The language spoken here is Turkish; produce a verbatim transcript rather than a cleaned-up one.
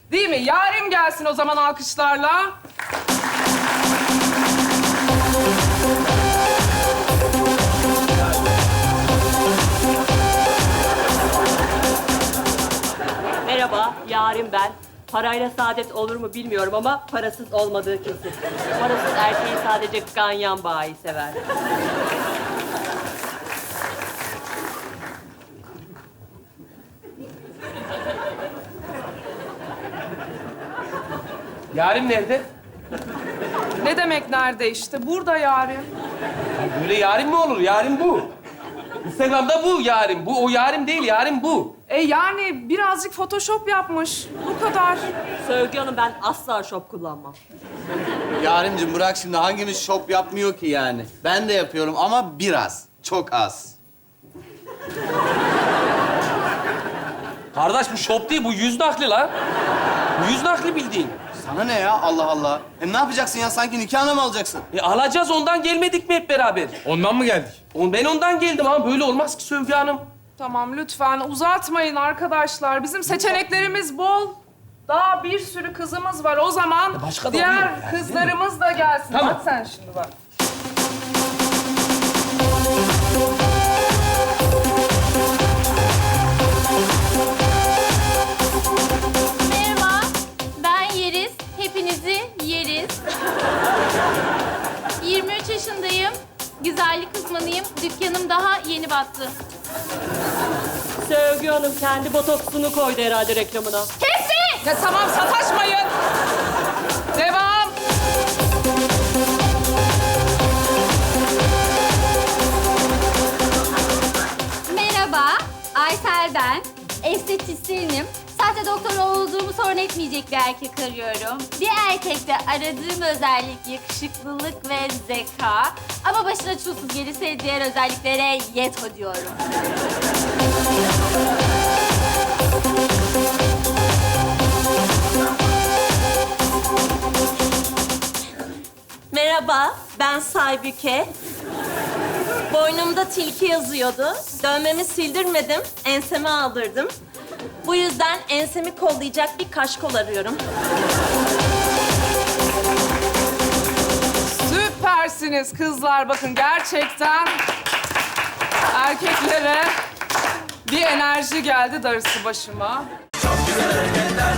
Değil mi? Yarim gelsin o zaman alkışlarla. Merhaba, Yarim ben. Parayla saadet olur mu bilmiyorum ama parasız olmadığı kesin. Parasız erkeği sadece ganyan bayi sever. Yarim nerede? Ne demek nerede işte? Burada yarim. Böyle yarim mi olur? Yarim bu. Instagram'da bu yarim. Bu o yarim değil, yarim bu. E yani birazcık Photoshop yapmış. Bu kadar. Sövgü Hanım, ben asla şop kullanmam. Yarimcim bırak şimdi, hangimiz şop yapmıyor ki yani? Ben de yapıyorum ama biraz, çok az. Kardeş bu şop değil, bu yüz nakli lan. Bu yüz nakli bildiğin. Sana ne ya, Allah Allah. Hem ne yapacaksın ya, sanki nikahına mı alacaksın? E alacağız, ondan gelmedik mi hep beraber? Ondan mı geldik? O- Ben ondan geldim ama böyle olmaz ki Sövgü Hanım. Tamam lütfen uzatmayın arkadaşlar. Bizim seçeneklerimiz bol. Daha bir sürü kızımız var. O zaman başka da diğer oluyor yani, kızlarımız da gelsin. Tamam. Bak sen şimdi bak. Merhaba, ben Yeriz. Hepinizi yeriz. yirmi üç yaşındayım. Güzellik uzmanıyım. Dükkanım daha yeni battı. Sövgü Hanım kendi botoksunu koydu herhalde reklamına. Kesin! Ya tamam sataşmayın. Devam. Merhaba, Aysel ben. Estetisyenim. Sahte doktor olduğumu sorun etmeyecek bir erkek arıyorum. Bir erkekte aradığım özellik yakışıklılık ve zeka. Ama başına çulsuz gelirse diğer özelliklere yeto diyorum. Merhaba, ben Saybüke. Boynumda tilki yazıyordu. Dövmemi sildirmedim, enseme aldırdım. Bu yüzden ensemi kollayacak bir kaşkol arıyorum. Süpersiniz kızlar. Bakın gerçekten erkeklere bir enerji geldi darısı başıma. Çok güzel hareketler